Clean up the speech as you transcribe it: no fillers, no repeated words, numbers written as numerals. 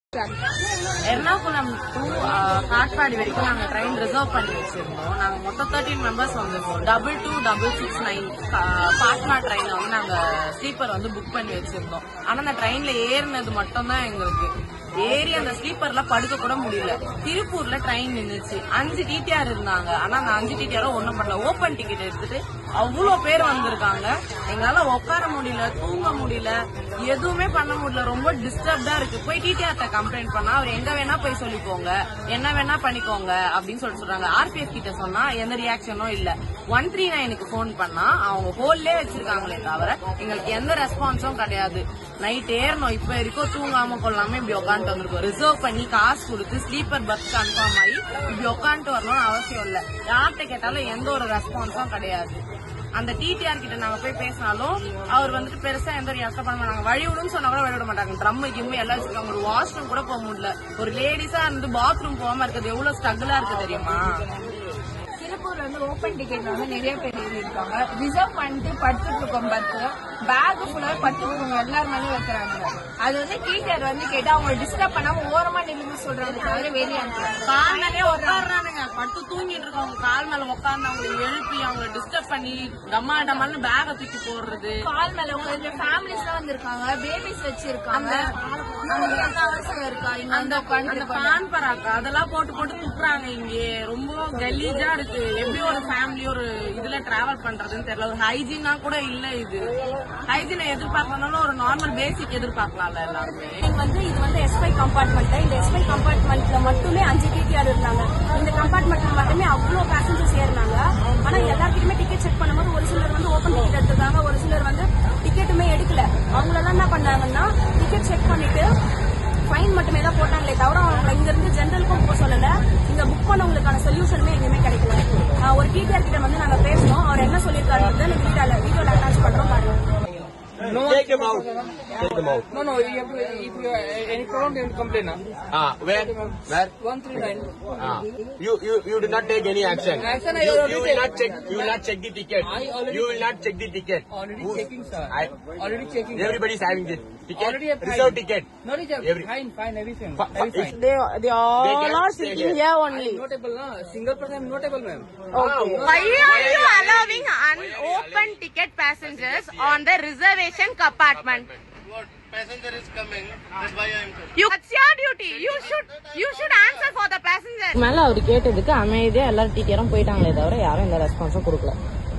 Ernakulam to Katpadi வரைக்கும் நாங்க train reserve பண்ணி வச்சிருந்தோம். நாங்க மொத்தம் 13 மெம்பர்ஸ் வந்திருக்கோம். 2266 பாட்னா ட்ரெயினை வந்து நாங்க ஸ்லீப்பர் வந்து புக் பண்ணி வச்சிருந்தோம். ஆனா அந்த ட்ரெயின்ல ஏறினது மட்டும் தான் எங்களுக்கு ஏறி அந்த ஸ்லீப்பர்ல படுக்க கூட முடியல. திருப்பூர்ல ட்ரெயின் நின்றுச்சு. 5 டிடிஆர் இருந்தாங்க. ஆனா அந்த 5 டிடிஆரும் ஒண்ணும் பண்ணல. ஓபன் டிக்கெட் எடுத்துட்டு அவ்வளவு பேர் வந்திருக்காங்க. எங்களால உட்கார முடியல, தூங்க முடியல, எதுவுமே பண்ண முடியல. ரொம்ப டிஸ்டர்ப்டா இருக்கு. போய் டிடிஆர்ட்ட கம்ப்ளைண்ட் பண்ணா அவர் எங்க வேணா போய் சொல்லிக்கோங்க, என்ன வேணா பண்ணிக்கோங்க அப்படின்னு சொல்றாங்க. ஆர்பிஎஃப் கிட்ட சொன்னா எந்த ரியாக்ஷனும் இல்ல. 139க்கு போன் பண்ணா அவங்க ஹோல்லே வச்சிருக்காங்களே தவிர எங்களுக்கு எந்த ரெஸ்பான்ஸும் கிடையாது. நைட் ஏறணும், இப்ப வரைக்கும் தூங்காம கொள்ளாம இப்படி உட்காந்துட்டு வந்திருக்கோம். ரிசர்வ் பண்ணி காசு கொடுத்து ஸ்லீப்பர் பஸ் கன்ஃபார்ம் ஆகி இப்படி உட்காந்துட்டு வரணும்னு அவசியம் இல்ல. யார்கிட்ட கேட்டாலும் எந்த ஒரு ரெஸ்பான்ஸும் கிடையாது. அந்த டிடிஆர் கிட்ட நாங்க போய் பேசினாலும் அவர் வந்துட்டு பெருசா எந்த ஒரு ரியாக்ஷன் பண்ண மாட்டாங்க. வழி விடுன்னு சொன்னா கூட வழி விட மாட்டாங்க. ட்ரம் கிம்மு எல்லாம் வச்சிருக்காங்க. ஒரு வாஷ்ரூம் கூட போக முடியல. ஒரு லேடிஸா இருந்து பாத்ரூம் போகாம இருக்கிறது எவ்வளவு ஸ்ட்ரகிளா இருக்கு தெரியுமா? திருப்பூர்ல வந்து ஓபன் டிக்கெட் வந்து நிறைய பேர் எழுதிருக்காங்க. ரிசர்வ் பண்ணிட்டு படுத்துட்டு இருக்கோம். பத்து பேக் ஃபுல்லா படுத்துட்டு இருக்கோம். எல்லாரும் மேலே வைக்கிறாங்க. அது வந்து டீச்சர் வந்து கேட்டா அவங்க டிஸ்டர்ப் பண்ணாம ஓரமா நின்று சொல்றாங்க தவிர வெளியே அனுப்புறாங்க. கால் மேலே உட்காடுறானுங்க. பட்டு தூங்கிட்டு இருக்கவங்க கால் மேல உட்கார்ந்து அவங்களை எழுப்பி அவங்களை டிஸ்டர்ப் பண்ணி டம்மா டம்மான்னு பேக தூக்கி போடுறது. கால் மேல உங்க ஃபேமிலிஸ் எல்லாம் வந்திருக்காங்க. பேபிஸ் வச்சிருக்காங்க. அந்த பான் பராக்கா அதெல்லாம் போட்டு போட்டு துப்புறாங்க. இங்கே ரொம்ப கலீஜா இருக்கு. எப்படி ஒரு ஃபேமிலி ஒரு இதுல டிராவல் பண்றதுன்னு தெரியல. ஒரு ஹைஜீனா கூட இல்ல. இது ஹைஜீனை எதிர்பார்க்கறதுனால ஒரு நார்மல் பேசிக் எதிர்பார்க்கலாம்ல எல்லாருமே. இது வந்து S5 கம்பார்ட்மெண்ட். இந்த S5 கம்பார்ட்மெண்ட்ல மட்டுமே 5 டிடிஆர் இருந்தாங்க. இந்த கம்பார்ட்மெண்ட்ல மட்டுமே அவ்வளவு பேசஞ்சர்ஸ் ஏறினாங்க. ஆனா எல்லாருக்குமே டிக்கெட் செக் பண்ணும்போது ஒரு சிலர் வந்து ஓபன் டிக்கெட் எடுத்திருக்காங்க, ஒரு சிலர் வந்து டிக்கெட்டுமே எடுக்கல. அவங்களெல்லாம் என்ன பண்ணாங்கன்னா டிக்கெட் செக் பண்ணிட்டு ஃபைன் மட்டுமே தான் போட்டாங்களே தவிர அவங்க இங்க இருந்து ஜெனரலுக்கும் போக சொல்லல. இங்க புக் பண்ணவங்களுக்கான சொல்யூஷனுமே எங்கேயுமே கிடைக்கல. ஒரு டிடிஆர் கிட்ட வந்து நாங்க பேசணும். அவர் என்ன சொல்லியிருக்காரு வீடியோல அட்டாச் பண்றோம் பாருங்க. No, take them out. Take them out. No, you have to, if you any problem, you have to complain. Where? Where? 139. You did not take any action. Action, You will not check. You will not check the ticket. You will not check the ticket. Already checking, sir. Already checking. Everybody is having the ticket. Already have Reserve fine. ticket. No, fine, everything. Everything. They all are sitting here only. Notable, no. Single person, notable, ma'am. Okay. Why are you allowing unopened ticket passengers on the reservation compartment? What passenger is coming? That's why I am coming. That's your duty. You should answer for the passenger. மேல அவர் கேட்டதுக்கு அமைதியா எல்லாரும் டிடிஆரும் போயிட்டாங்களே தவிர யாரும் எந்த ரெஸ்பான்ஸும் கொடுக்கல.